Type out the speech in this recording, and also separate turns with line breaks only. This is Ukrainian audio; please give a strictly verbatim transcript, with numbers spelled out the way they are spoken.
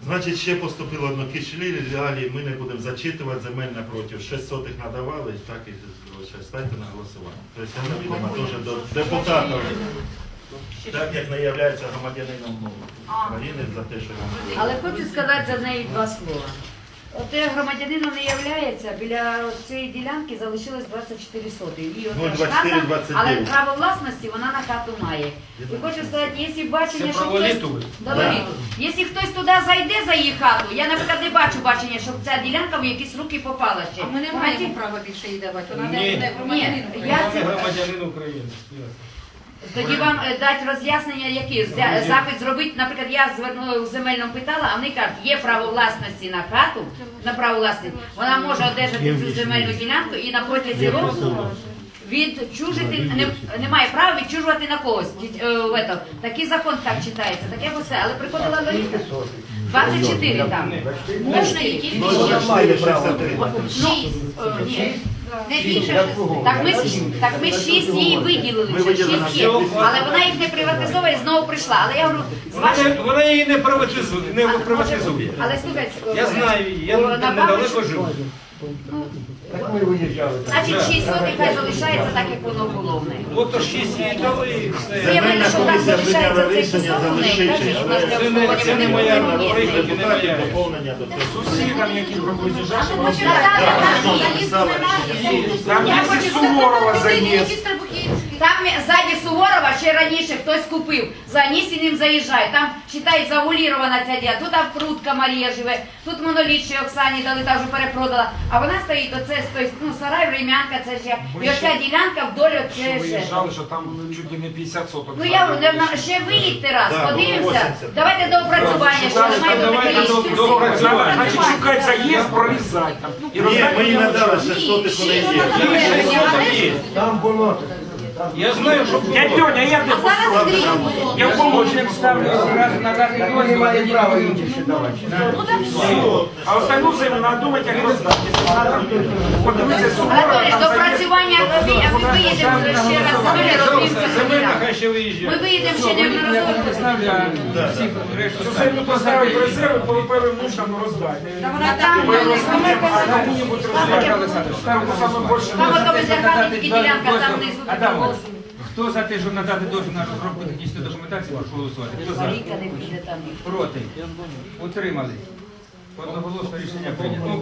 Значить, ще поступило одно кишлі, реалії ми не будемо зачитувати, земель напротив. шість сотих надавали, так і залишається. Ставте на голосування. Тобто, це відомо теж до депутатів, так як не є громадянином України за те, що він...
Але хочу сказати за неї два слова. От громадянином не являється, біля цієї ділянки залишилось двадцять чотири соти. І
Ну,
от
двадцять чотири,
хата,
двадцять
але
дев'ять.
право власності вона на хату має. І хочу сказати, якщо бачення, що хтось...
Да.
Якщо хтось туди зайде за її хату, я, наприклад, не бачу бачення, щоб ця ділянка в якісь руки попала ще.
А ми не маємо права більше їй давати. Вона
Ні.
не буде громадянин
Ні,
України.
я
Вона
це...
не громадянин України.
Тоді вам е, дати роз'яснення, які Зя- запит зробити, наприклад, я звернула в земельному питала, а вони кажуть, є право власності на хату, на право власності, вона може одержати цю земельну ділянку і на протязі року відчужити, не, немає права відчужувати на когось. Ді- е, в ето. Такий закон так читається, таке все, але приходила Лариса. двадцять чотири там. Можна її тільки
Ну,
шість.
нормально, шістдесят три.
Шість. Е, ні. Не більше шести. Так ми, ж- так ми шість її виділили,
Ми
вже
виділили
шість
на
є.
всі.
Але вона їх не приватизовує і знову прийшла. Але я говорю, з
Вона,
вашим...
не- вона її не приватизує. Не приватизує.
Але слухайте,
Я знаю її, я
о,
не-
на
недалеко
Бабичу-
живу.
Так ми виїжджали.
Значить, шість сотень хай залишається так, як воно було в неї.
От то шість їй дали і все.
Земельна
що там
комісія
залишається
прийняла
цей
рішення
кусок в неї,
залишити,
кажуть, що
але
вона
Це не, це не моя
Ні,
роль,
ні.
не моя.
депутатів доповнення до цього.
Сусідам, які приближають,
Написали рішення.
там
Я
є
хочу
Суворова заїзд.
Там ззаді Суворова ще раніше хтось купив, за Анісіним заїжджає, там, считай, завулірована ця дія, тут Авкрутка Марія живе, тут моноліт ще Оксані дали, та вже перепродала, а вона стоїть, оце стоїть, ну, сарай, Врем'янка, це ж я, і оця ділянка вдоль оце
Що
ж.
виїжджали, що там чуть ли не п'ятдесят соток.
Ну я говорю, на- ще виїдьте раз,
Да,
подивимося,
виноситься.
давайте до опрацювання, що немає до
Давайте
таке
до-
рішення.
до опрацювання.
Значить, шукати заїзд, прорізати там. І
Ні,
роздати
ми їй
йому
надали
час.
шість сотих, вони є.
Шість соток є.
Там було.
Я знаю, що
Я Льоня, я не послухав. Я в помочник ставлю.
Так ми не маємо права інші ще давати.
А остальну землю треба думати, як роздати. Треба подивитися Суворова,
Анатолій,
там
до
заїзд.
опрацювання, а ми виїдемо ще раз, землі роздивимося.
земельна хай ще
Ми
виїжджає.
виїдемо ще неодноразово.
Цю землю поставити в резерви, по певним нуждам роздати.
А там,
Ми роздадимо, а кому-нибудь роздати. Там саме більше
там ото бездеркальні ділянка, там внизу
Адамович, хто за те, щоб надати дозвіл на розробку технічної документації, прошу голосувати. Хто за?
Марійка не піде там.
Проти? Утримали. Одноголосно рішення прийнято.